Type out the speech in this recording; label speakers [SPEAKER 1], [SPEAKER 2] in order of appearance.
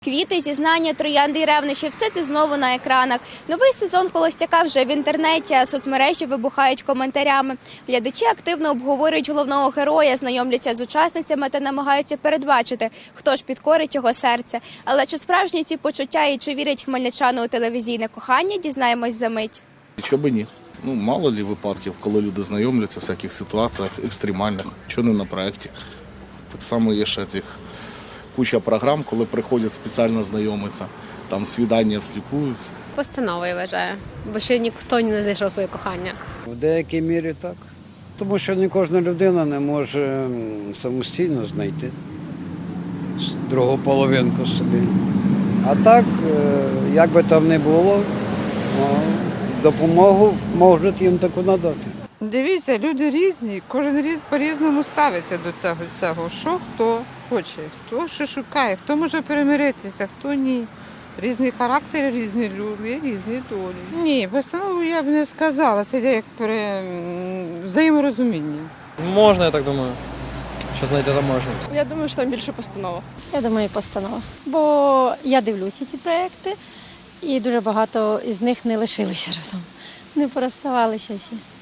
[SPEAKER 1] Квіти, зізнання, троянди й ревнощі – все це знову на екранах. Новий сезон «Холостяка» вже в інтернеті, а соцмережі вибухають коментарями. Глядачі активно обговорюють головного героя, знайомляться з учасницями та намагаються передбачити, хто ж підкорить його серце. Але чи справжні ці почуття і чи вірять хмельничани у телевізійне кохання, дізнаємось за мить.
[SPEAKER 2] Чого б ні? Мало лі випадків, коли люди знайомляться в всяких ситуаціях екстремальних, що не на проєкті. Так само є ще тих куча програм, коли приходять спеціально знайомитися, там свідання всліпую.
[SPEAKER 3] Постановою вважаю, бо ще ніхто не знайшов своє кохання.
[SPEAKER 4] В деякій мірі так. Тому що не кожна людина не може самостійно знайти другу половинку собі. А так, як би там не було, допомогу можуть їм таку надати.
[SPEAKER 5] Дивіться, люди різні, кожен по-різному ставиться до цього всього. Що хто хоче, хто що шукає, хто може перемиритися, хто ні. Різні характери, різні люди, різні долі. Ні, постанову я б не сказала, це як взаєморозуміння.
[SPEAKER 6] Можна, я так думаю, що знайти там можна.
[SPEAKER 7] Я думаю, що там більше постанова.
[SPEAKER 8] Я думаю, постанова. Бо я дивлюся ці проекти, і дуже багато із них не лишилися разом. Не порозставалися всі.